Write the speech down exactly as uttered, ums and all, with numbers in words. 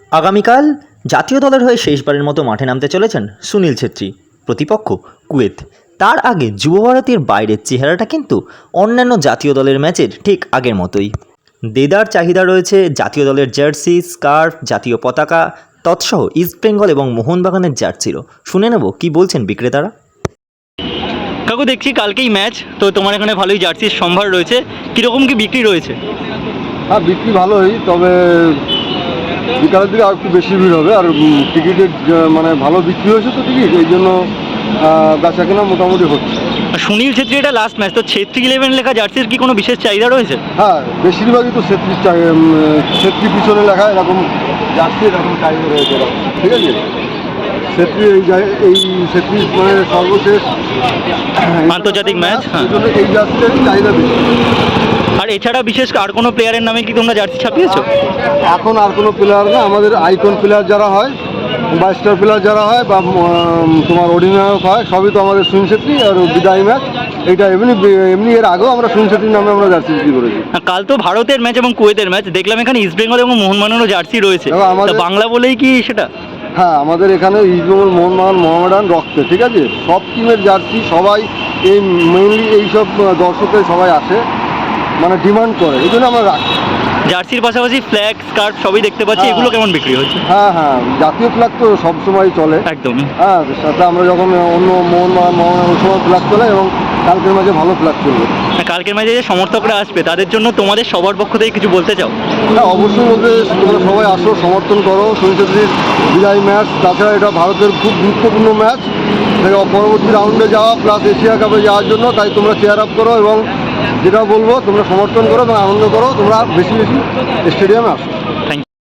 আগামীকাল জাতীয় দলের হয়ে শেষবারের মতো মাঠে নামতে চলেছেন সুনীল ছেত্রী, প্রতিপক্ষ কুয়েত। তার আগে যুব ভারতীর বাইরের চেহারাটা কিন্তু অন্যান্য জাতীয় দলের ম্যাচের ঠিক আগের মতোই। দেদার চাহিদা রয়েছে জাতীয় দলের জার্সি, স্কার্ফ, জাতীয় পতাকা তৎসহ ইস্টবেঙ্গল এবং মোহনবাগানের জার্সিরও। শুনে নেব কি বলছেন বিক্রেতারা। কাকু, দেখছি কালকেই ম্যাচ, তো তোমার এখানে ভালোই জার্সির সম্ভার রয়েছে, কীরকম কি বিক্রি রয়েছে? হ্যাঁ, বিক্রি ভালোই, তবে বিকালের দিকে আর একটু বেশি ভিড় হবে। আর টিকিটের মানে ভালো বিক্রি হয়েছে তো টিকিট, এই জন্য বেচা কেনা মোটামুটি হচ্ছে। সুনীল ছেত্রী এটা লাস্ট ম্যাচ, তো ছেত্রী ইলেভেন লেখা জার্সির কি কোনো বিশেষ চাহিদা রয়েছে? হ্যাঁ, বেশিরভাগই তো ছেত্রী ছেত্রী পিছনে লেখা এরকম জার্সি এরকম চাহিদা রয়েছে এরকম, ঠিক আছে। ছেত্রী এই এই ছেত্রী মানে সর্বশেষ আন্তর্জাতিক ম্যাচ, হ্যাঁ, এই জার্সিটারই চাহিদা বেশি। আর এছাড়া বিশেষ আর কোনো প্লেয়ারের নামে কি তোমরা জার্সি ছাপিয়েছো? এখন আর কোনো প্লেয়ার না, আমাদের আইকন প্লেয়ার যারা হয় বা স্টার প্লেয়ার যারা হয় বা তোমার অধিনায়ক হয়, সবই তো আমাদের সুনীল ছেত্রী। আর বিদায় ম্যাচ এইটা এমনি এমনি এর আগেও আমরা সুনীল ছেত্রীর নামে আমরা জার্সি বিক্রি করেছি। কাল তো ভারতের ম্যাচ এবং কুয়েতের ম্যাচ, দেখলাম এখানে ইস্টবেঙ্গল এবং মোহনবাগানেরও জার্সি রয়েছে, বাংলা বলেই কি সেটা? হ্যাঁ, আমাদের এখানে ইস্টবেঙ্গল, মোহনবাগান, মোহামেডান রক্তে, ঠিক আছে, সব টিমের জার্সি সবাই এই মেইনলি এইসব দর্শকের সবাই আসে, মানে ডিমান্ড করে, এই জন্য আমরা রাখি। জার্সির পাশাপাশি ফ্ল্যাগ, স্কার্ফ সবই দেখতে পাচ্ছি, এগুলো কেমন বিক্রি হচ্ছে? হ্যাঁ হ্যাঁ, জাতীয় ফ্ল্যাগ তো সবসময় চলে একদমই। হ্যাঁ, সাথে আমরা যখন অন্য মোহনবাগান মোহামেডান ওই সময় ফ্ল্যাগ চলে, এবং কালকের মাঝে ভালো ফ্ল্যাগ চলবে। কালকের ম্যাচে যে সমর্থকরা আসবে তাদের জন্য তোমাদের সবার পক্ষ থেকে কিছু বলতে চাও? হ্যাঁ, অবশ্যই বলতে, তোমরা সবাই আসো, সমর্থন করো সুনীল ছেত্রীর বিদায়ী ম্যাচ। তাছাড়া এটা ভারতের খুব গুরুত্বপূর্ণ ম্যাচ, পরবর্তী রাউন্ডে যাওয়া প্লাস এশিয়া কাপে যাওয়ার জন্য। তাই তোমরা চেয়ার আপ করো এবং যেটা বলবো তোমরা সমর্থন করো এবং আনন্দ করো, তোমরা বেশি বেশি স্টেডিয়ামে আসো।